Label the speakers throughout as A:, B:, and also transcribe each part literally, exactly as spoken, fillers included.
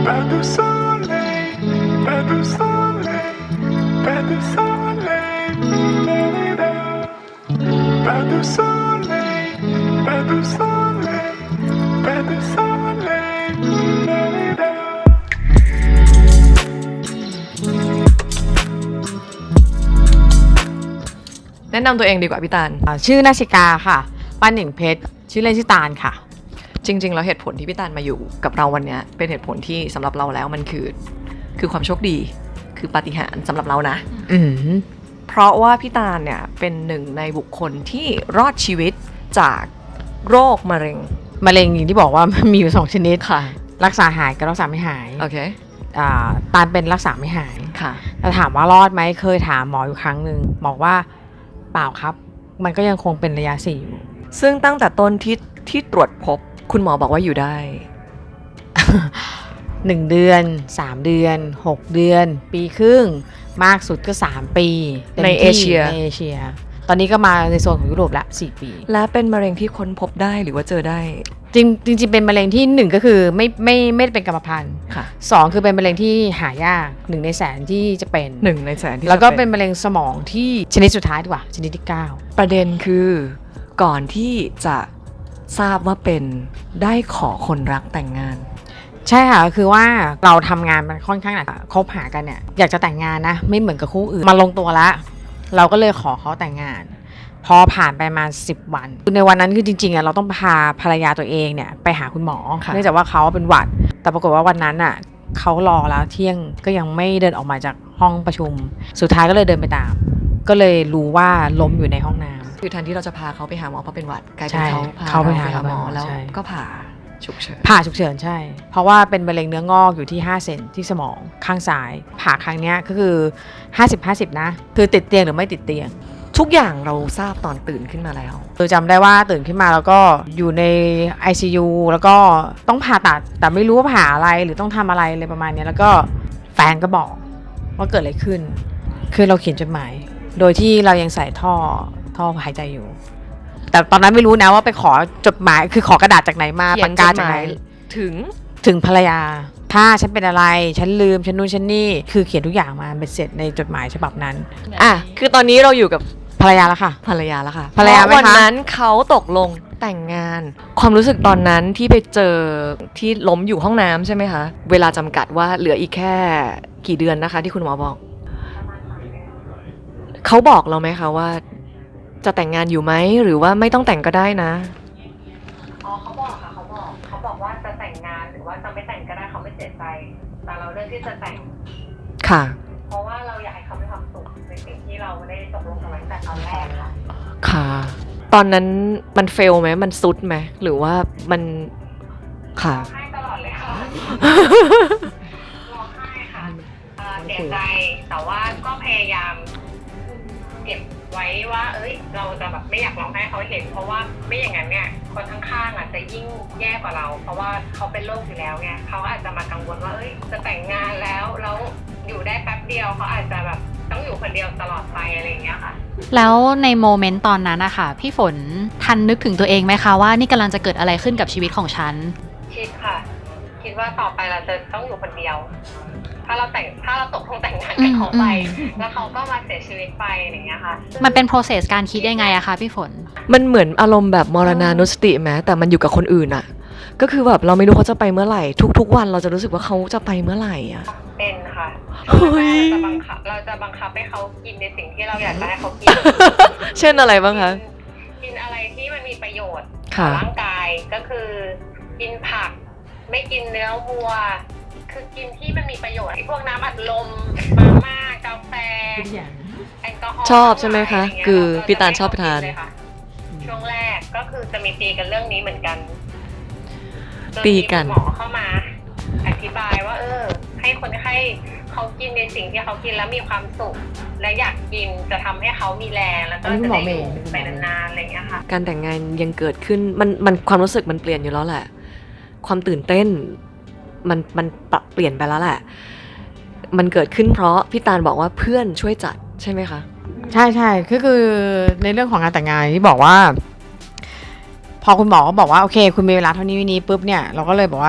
A: Pas de soleil, pas de soleil, pas de soleil, da-da-da. Pas de soleil, pas de soleil, pas de soleil, da-da-da.
B: แนะนำตัวเองดีกว่าพี่ตาล
C: อ่าชื่อนาชิกาค่ะป้านหนิงเพชรชื่อเล่นชื่อตาลค่ะ
B: จริงๆแล้วเหตุผลที่พี่ตาลมาอยู่กับเราวันนี้เป็นเหตุผลที่สำหรับเราแล้วมันคือคือความโชคดีคือปาฏิหาริย์สำหรับเรานะ
C: อืม
B: เพราะว่าพี่ตาลเนี่ยเป็นหนึ่งในบุคคลที่รอดชีวิตจากโรคมะเร็ง
C: มะเร็งอย่างที่บอกว่า มันมีอยู่สองชนิด
B: ค่ะ
C: รักษาหายกับรักษาไม่หาย
B: โอเค
C: อ่าตาลเป็นรักษาไม่หาย
B: ค่ะ
C: แต่ถามว่ารอดไหมเคยถามหมออยู่ครั้งหนึ่งบอกว่าเปล่าครับ มันก็ยังคงเป็นระยะสี่อยู่
B: ซึ่งตั้งแต่ต้นที่ที่ตรวจพบคุณหมอบอกว่าอยู่ได้
C: หนึ่งเดือนสามเดือนหกเดือน ปีครึ่งมากสุดก็สามปีต็ม
B: ใน
C: ที่
B: เอเชีย
C: ในเอเชีย ตอนนี้ก็มาในโซนของยุโรปละสี่ปี
B: และเป็นมะเร็งที่ค้นพบได้หรือว่าเจอได้
C: จริงจริงๆเป็นมะเร็งที่หนึ่งก็คือไม่ไม่ไม่ได้เป็นกรรมพันธุ์
B: ค่ะ
C: สองคือเป็นมะเร็งที่หายากหนึ่งในแสนที่จะเป็น
B: หนึ่งในแสนที่
C: แล้วก็
B: จะ
C: เป็นมะเร็งสมองที่ชนิดสุดท้ายดีกว่าชนิดที่เก้า
B: ประเด็นคือก่อนที่จะทราบว่าเป็นได้ขอคนรักแต่งงาน
C: ใช่ค่ะคือว่าเราทำงานมันค่อนข้างหนักคบหากันเนี่ยอยากจะแต่งงานนะไม่เหมือนกับคู่อื่นมาลงตัวแล้วเราก็เลยขอเขาแต่งงาน พอผ่านไปประมาณสิบวันในวันนั้นคือจริงๆอ่ะเราต้องพาภรรยาตัวเองเนี่ยไปหาคุณหมอ
B: ค่ะ
C: เนื่องจากว่าเขาเป็นหวัด แต่ปรากฏว่าวันนั้นอ่ะเขารอแล้วเที่ยงก็ยังไม่เดินออกมาจากห้องประชุม สุดท้ายก็เลยเดินไปตาม ก็เลยรู้ว่าล้มอยู่ในห้องน้ำ
B: คือแทนที่เราจะพาเขาไปหาหมอเพราะเป็นหวัดกลายเป็
C: ใช่
B: นเขาพา
C: เขาไป
B: เรา
C: หา
B: ไปหาหมอ
C: หมอ
B: แล้ว
C: ใช่
B: ก็ผ่าฉุกเฉิน
C: ผ่าฉุกเฉินใช่ เพราะว่าเป็นมะเร็งเนื้องอกอยู่ที่ห้าเซนที่สมองข้างซ้าย ผ่าครั้งเนี้ยก็คือ ห้าสิบ ห้าสิบ นะ คือติดเตียงหรือไม่ติดเตียง
B: ทุกอย่างเราทราบตอนตื่นขึ้นมาแล้ว
C: คือจำได้ว่าตื่นขึ้นมาแล้วก็อยู่ใน ไอ ซี ยู แล้วก็ต้องผ่าตัด แต่ไม่รู้ว่าผ่าอะไรหรือต้องทำอะไรเลยประมาณเนี้ยแล้วก็แฟนก็บอกว่าเกิดอะไรขึ้น คือเราเขียนจดหมาย โดยที่เรายังใส่ท่อท่อหายใจอยู่ แต่ตอนนั้นไม่รู้นะว่าไปขอจดหมายคือขอกระดาษจากไหนมา
B: เขีย
C: ปาน กกา
B: จดห
C: จาก
B: มา
C: ไหน
B: ยถึง
C: ถึงภรรยา ถ้าฉันเป็นอะไร ฉันลืม ฉันนู่นฉันนี่ คือเขียนทุกอย่างมาเป็นเสร็จในจดหมายฉบับนั้น
B: อ่ะคือตอนนี้เราอยู่กับ
C: ภรรยาแล้วค่ะ
B: ภรรยาแล้วค่ะ
C: ภรรยาไหมคะ
B: วันนั้นเขาตกลงแต่งงาน ความรู้สึกตอนนั้นที่ไปเจอที่ล้มอยู่ห้องน้ำใช่ไหมคะ เวลาจำกัดว่าเหลืออีกแค่กี่เดือนนะคะ ที่คุณหมอบอก เขาบอกเราไหมคะว่า จะแต่งงานอยู่ไหมหรือว่าไม่ต้องแต่งก็ได้นะ
D: อ๋อเขาบอกค่ะเขาบอกเขาบอกว่าจะแต่งงานหรือว่าจะไม่แต่งก็ได้เขาไม่เสียใจแต่เราเลือกที่จะแต่ง
B: ค่ะ
D: เพราะว่าเราอยากให้เขามีความสุขในสิ่งที่เราได้ตกลงกันไว้ตั้งแต่ตอนแรกค่ะ
B: ค่ะ ตอนนั้นมันเฟลไหมมันซุดไหมหรือว่ามันค่ะ
D: ร้องไห้ตลอดเลยค่ะ ร้องไห้ค่ะเอ่อเสียใจแต่ว่าก็พยายามเก็บไว้ว่า เอ้ย เราจะแบบไม่อยากร้องไห้เขาเห็น เพราะว่าไม่อย่างนั้นเนี่ยคนข้างๆอ่ะจะยิ่งแย่กว่าเรา เพราะว่าเขาเป็นโรคอยู่แล้วไงเขาอาจจะมากังวลว่าเอ้ยจะแต่งงานแล้วแล้วอยู่ได้แป๊บเดียวเขาอาจจะแบบต้องอยู่คนเดียวตลอดไปอะไรอย่างเงี้ยค่ะ
E: แล้วในโมเมนต์ตอนนั้นนะคะพี่ฝนทันนึกถึงตัวเองไหมคะว่านี่กำลังจะเกิดอะไรขึ้นกับชีวิตของฉัน
D: คิดค่ะ คิดว่าต่อไปเราจะต้องอยู่คนเดียว ถ้าเราแต่งถ้าเราตกลงแต่งงานกับเขาไป
E: อืมอืม
D: แล้วเขาก็มาเสียชีวิตไปอย่างเงี้ยค่ะ
E: มันเป็น process การคิดยังไงอะคะพี่ฝน
B: มันเหมือนอารมณ์แบบมรณานุสติไหมแต่มันอยู่กับคนอื่นอะก็คือแบบเราไม่รู้เขาจะไปเมื่อไหร่ ทุกๆวันเราจะรู้สึกว่าเขาจะไปเมื่อไหร่อะ
D: เป็นค่ะ
B: เฮ้ย
D: เราจะบังคับเราจะบังคับให้เขากินในสิ่งที่เราอยากจะให้เขากิน
B: เช่นอะไรบ้างคะ
D: กินอะไรที่มันมีประโยชน์ต่
B: ค่ะ
D: อร่างกายก็คือ กินผัก ไม่กินเนื้อวัว คือกินที่มันมีประโยชน์พวกน้ำอัดลมมาม่ากาแฟแอลกอฮอล์
B: ชอบใช่ไหมคะ
D: ะรย่งเงี้ย
B: คือ
D: เรจะ
B: พี่ตาลชอบไปทาน
D: ม่ให้เขกิเลยค่ะช่วงแรกก็คือจะมีตีกันเรื่องนี้เหมือนกันจ
B: ตีกัน
D: มีหมอเข้ามา อธิบายว่า เออ ให้คนไข้เขากินในสิ่งที่เขากินแล้วมีความสุข และอยากกินจะทำให้เขามีแรงแล้วก็
C: อันนี้คุณหมอ
D: จะได้
C: เม
D: อ
C: ย์
D: ยู่ไปนานๆอะไรอย่างเงี้ยค่ะ
B: การแต่งงานยังเกิดขึ้นมันมันความรู้สึกมันเปลี่ยนอยู่แล้วแหละ ความตื่นเต้นมันมันปรับเปลี่ยนไปแล้วแหละ มันเกิดขึ้นเพราะพี่ตาลบอกว่าเพื่อนช่วยจัดใช่ไหมคะ
C: ใช่ใช่ก็คือในเรื่องของงานแต่งงานที่บอกว่า พอคุณหมอก็บอกว่าโอเค คุณมีเวลาเท่านี้วันนี้ปุ๊บเนี่ยเราก็เลยบอกว่า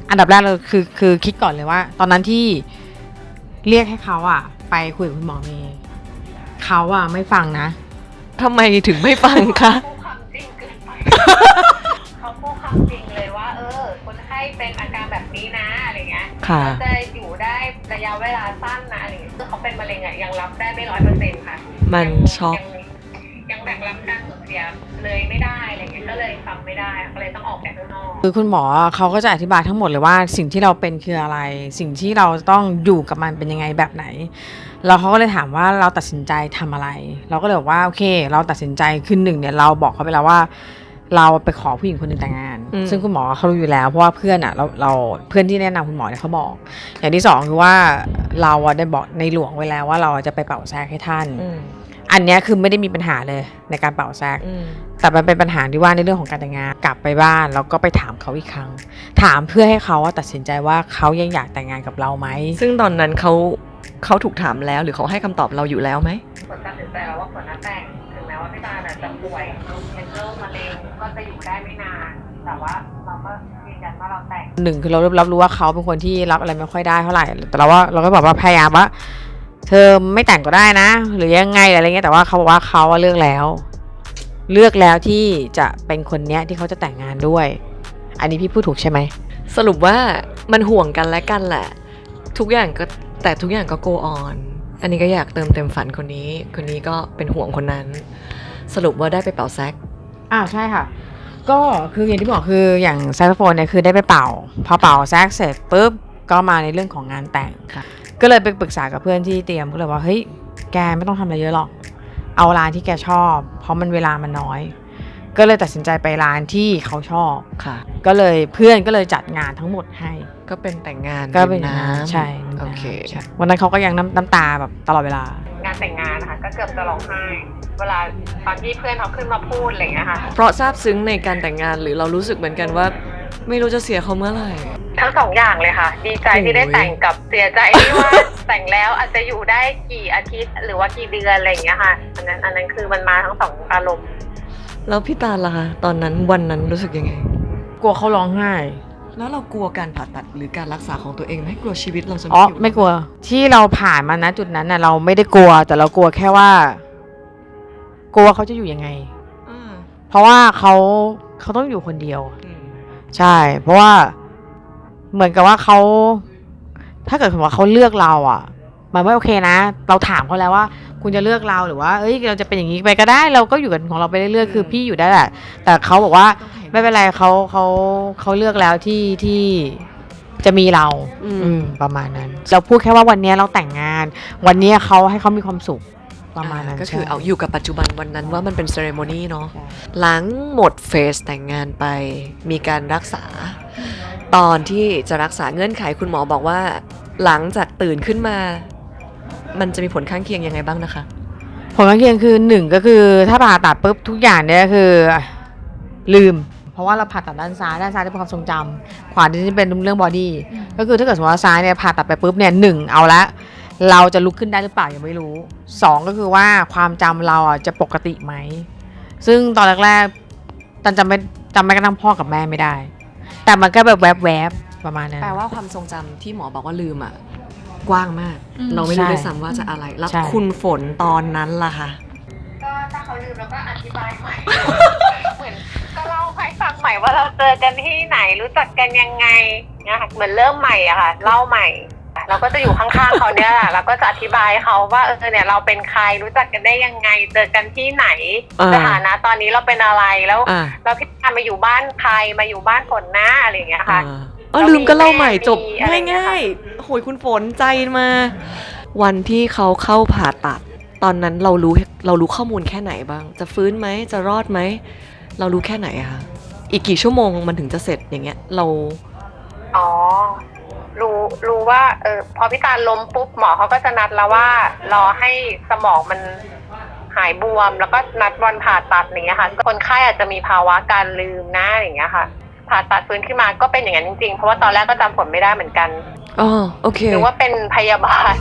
C: อันดับแรกเราคือคือคิดก่อนเลยว่า ตอนนั้นที่เรียกให้เขาอะไปคุยกับคุณหมอเมย์เขาอะไม่ฟังนะ
B: ทำไมถึงไม่ฟังคะ
D: พูดความจริงเกินไป เขาพูดความจริงเลยว่า เออ คนไข้เป็นอาการแบบนี้นะอะไรเงี้ย
B: ค่ะ
D: จะอยู่ได้ระยะเวลาสั้นนะอะไรเงี้ยคือเขาเป็นมะเร็งอะยังรับได้ไม่ร้อยเปอร์เซ็นต์ค่ะ
B: มัน
D: ยัง
B: ช็อก
D: ยังยังแบกรับการสูญเสียเลยไม่ได้อะไรเงี้ยก็เลยฟังไม่ได้ก็เลยต้องออกแบบข้างนอก
C: คือคุณหมอเขาก็จะอธิบายทั้งหมดเลยว่าสิ่งที่เราเป็นคืออะไร สิ่งที่เราต้องอยู่กับมันเป็นยังไงแบบไหนแล้วเขาก็เลยถามว่าเราตัดสินใจทำอะไร เราก็เลยบอกว่าโอเค เราตัดสินใจคือหนึ่งเนี่ยเราบอกเขาไปแล้วว่า เราไปขอผู้หญิงคนหนึงแต่งงาน
B: อืม
C: ซึ่งคุณหมอเขารู้อยู่แล้วเพราะว่าเพื่อนอ่ะเราเราเพื่อนที่แนะนำคุณหมอเนี่ยเขาบอก อย่างที่สองคือว่าเราอะได้บอกในหลวงไว้แล้วว่าเราจะไปเป่าแซกให้ท่าน
B: อืม
C: อันเนี้ยคือไม่ได้มีปัญหาเลยในการเป่าแซก
B: อืม
C: แต่มันเป็นปัญหาที่ว่าในเรื่องของการแต่งงานกลับไปบ้านแล้วก็ไปถามเขาอีกครั้ง ถามเพื่อให้เขาว่าตัดสินใจว่าเขายังอยากแต่งงานกับเราไหม
B: ซึ่งตอนนั้นเขาเขาถูกถามแล้วหรือเขาให้คำตอบเราอยู่แล้วไหม
D: ผลตัดสินใจแล้วว่าผลนัดแต่งถึงแม้ว่าพี่ตาลน่ะจะป่วยเป็นโรคมะเร็งก็จะอยู่ได้ไม่นาน แต่ว่าเราก็ยืนยันว่าเราแต่ง
C: หนึ่งคือเรารับรู้ว่าเขาเป็นคนที่รับอะไรไม่ค่อยได้เท่าไหร่แต่เราว่าเราก็บอกว่าพยายามว่า เธอไม่แต่งก็ได้นะ หรือยังไงอะไรเงี้ยแต่ว่าเขาบอกว่าเขาเลือกแล้ว เลือกแล้วที่จะเป็นคนเนี้ยที่เขาจะแต่งงานด้วย อันนี้พี่พูดถูกใช่ไหม
B: สรุปว่ามันห่วงกันและกันแหละ ทุกอย่างก็แต่ทุกอย่างก็ go on อันนี้ก็อยากเติมเต็มฝันคนนี้ คนนี้ก็เป็นห่วงคนนั้น สรุปว่าได้ไปเป่าแซก
C: อ่าใช่ค่ะ ก็คืออย่างที่บอกคืออย่างแซกโซโฟนเนี่ยคือได้ไปเป่าพอเป่าแซกเสร็จปุ๊บก็มาในเรื่องของงานแต่ง
B: ค่ะ
C: ก็เลยไปปรึกษากับเพื่อนที่เตรียมก็เลยว่าเฮ้ยแกไม่ต้องทำอะไรเยอะหรอกเอาร้านที่แกชอบ เพราะมันเวลามันน้อย ก็เลยตัดสินใจไปร้านที่เขาชอบ
B: ค่ะ
C: ก็เลยเพื่อนก็เลยจัดงานทั้งหมดให้
B: ก็เป็นแต่งงาน
C: ก็เป็น
B: ริม
C: น้ำใช่
B: โอเค
C: ใช่วันนั้นเขาก็ยังน้ำน้ำตาแบบตลอดเวลา
D: งานแต่งงานนะคะก็เกือบจะร้องไห้ เวลาตอนที่เพื่อนเขาขึ้นมาพูดอะไรอย่างเงี้ยค่ะ
B: เพราะซาบซึ้งในการแต่งงานหรือเรารู้สึกเหมือนกันว่า ไม่รู้จะเสียเขาเมื่อไหร่
D: ทั้งสองอย่างเลยค่ะ ดีใจที่ได้
B: โอ้ย
D: แต่งกับเสียใจที่ว่า แต่งแล้วอาจจะอยู่ได้กี่อาทิตย์ หรือว่ากี่เดือนอะไรอย่างเงี้ยค่ะ อันนั้นอันนั้นคือมันมาทั้งสองอารมณ์
B: แล้วพี่ตาลล่ะคะตอนนั้นวันนั้นรู้สึกยังไง
C: กลัวเขาร้องไห้
B: แล้วเรากลัวการผ่าตัดหรือการรักษาของตัวเองไหมกลัวชีวิตเราจะ
C: อ๋อ
B: อยู่
C: ไม่กลัวที่เราผ่านมานะจุดนั้นน่ะเราไม่ได้กลัว แต่เรากลัวแค่ว่า กลัวเขาจะอยู่ยังไง
B: อ่า
C: เพราะว่าเขาเขาต้องอยู่คนเดียว
B: อืม
C: ใช่ เพราะว่าเหมือนกับว่าเขาถ้าเกิดสมมติว่าเขาเลือกเราอ่ะ มันไม่โอเคนะ เราถามเขาแล้วว่า คุณจะเลือกเราหรือว่าเอ้ยเราจะเป็นอย่างนี้ไปก็ได้ เราก็อยู่กันของเราไปเรื่อยๆคือพี่อยู่ได้แหละ แต่เขาบอกว่า
B: ต้องให้
C: ไม่เป็นไรเขาเขาเขาเลือกแล้วที่ที่จะมีเรา
B: อืม
C: อืมประมาณนั้น เราพูดแค่ว่าวันนี้เราแต่งงาน วันนี้เขาให้เขามีความสุขประมาณนั้น
B: ก็คือ
C: ใช่
B: เอาอยู่กับปัจจุบันวันนั้นว่ามันเป็นเซเรโมนีเนาะ
C: ใช่
B: หลังหมดเฟสแต่งงานไป มีการรักษา ตอนที่จะรักษาเงื่อนไขคุณหมอบอกว่า หลังจากตื่นขึ้นมา มันจะมีผลข้างเคียงยังไงบ้างนะคะ
C: ผลข้างเคียงคือหนึ่งก็คือถ้าผ่าตัดปุ๊บทุกอย่างเนี่ยคือลืม เพราะว่าเราผ่าตัดด้านซ้ายด้านซ้ายจะเป็นความทรงจำขวาจะเป็นเรื่องบอดี้ก็คือถ้าเกิดสมมติว่าซ้ายเนี่ยผ่าตัดไปปุ๊บเนี่ยหนึ่งเอาละเราจะลุกขึ้นได้หรือเปล่ายังไม่รู้สองก็คือว่าความจำเราอ่ะจะปกติไหมซึ่งตอนแรกๆตันจำไม่จำไม่กระทั่งพ่อกับแม่ไม่ได้ แต่มันก็แบบแวบๆประมาณนั้น
B: แปลว่าความทรงจำที่หมอบอกว่าลืมอ่ะ กว้างมาก
E: อืม
B: เราไม่รู้
C: ใช่
B: ด้วยซ้ำว่าจะอะไร แล้ว
C: ใช่
B: คุณฝนตอนนั้นล่ะคะ
D: ก็ถ้าเขาลืมแล้วก็อธิบายใหม่ เหมือนก็เล่าให้ฟังใหม่ว่าเราเจอกันที่ไหนรู้จักกันยังไงเนี่ยค่ะเหมือนเริ่มใหม่อะค่ะเล่าใหม่ เราก็จะอยู่ข้างๆเขาเนี่ยแหละเราก็จะอธิบายเขาว่าเออเนี่ยเราเป็นใครรู้จักกันได้ยังไง เจอกันที่ไหน
B: อ่า
D: สถานะตอนนี้เราเป็นอะไรแล้ว
B: อ่า
D: เราพี่ตามาอยู่บ้านใครมาอยู่บ้านฝนหน้าอะไรอย่างเงี้ยค่ะ
B: อ่าเออลืมก็เล่าใหม่จบ
D: มีอะไรอย่างเงี้ย
B: ง่ายๆโหยคุณฝนใจมา วันที่เขาเข้าผ่าตัด ตอนนั้นเรารู้เรารู้ข้อมูลแค่ไหนบ้าง จะฟื้นไหมจะรอดไหมเรารู้แค่ไหนอะคะอีกกี่ชั่วโมงมันถึงจะเสร็จอย่างเงี้ย เรา
D: อ๋อ รู้รู้ว่าเออพอพี่ตาล้มปุ๊บหมอเขาก็จะนัดแล้วว่ารอให้สมองมันหายบวม แล้วก็นัดวันผ่าตัดอย่างเงี้ยค่ะคนไข้อาจจะมีภาวะการลืมนะอย่างเงี้ยค่ะ ผ่าตัดฟื้นขึ้นมาก็เป็นอย่างนั้นจริงๆเพราะว่าตอนแรกก็จำผลไม่ได้เหมือนกัน
B: อ๋อโอเค
D: หรือว่าเป็นพยาบาล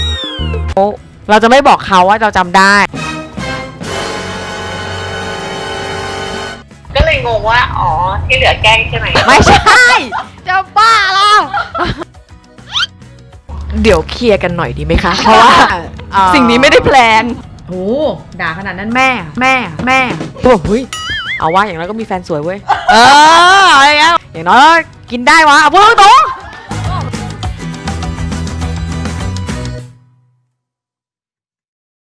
C: เราจะไม่บอกเขาว่าเราจำได้
D: เลยงงว่าอ๋อที่เหลือแกล้งใช่ไหม
C: ไม่ใช่จะบ้าเหรอ
B: เดี๋ยวเคลียร์กันหน่อยดีไหมคะ เพราะว่าสิ่งนี้ไม่ได้แพลน
C: โอ้ด่าขนาดนั้นแม่ แม่ แม่
B: โอ้เฮ้ยเอาว่าอย่างน้อยก็มีแฟนสวยเว้ย
C: เอออะไรเงี้ยอย่างน้อยก็กินได้วะเอาพูดตรงๆ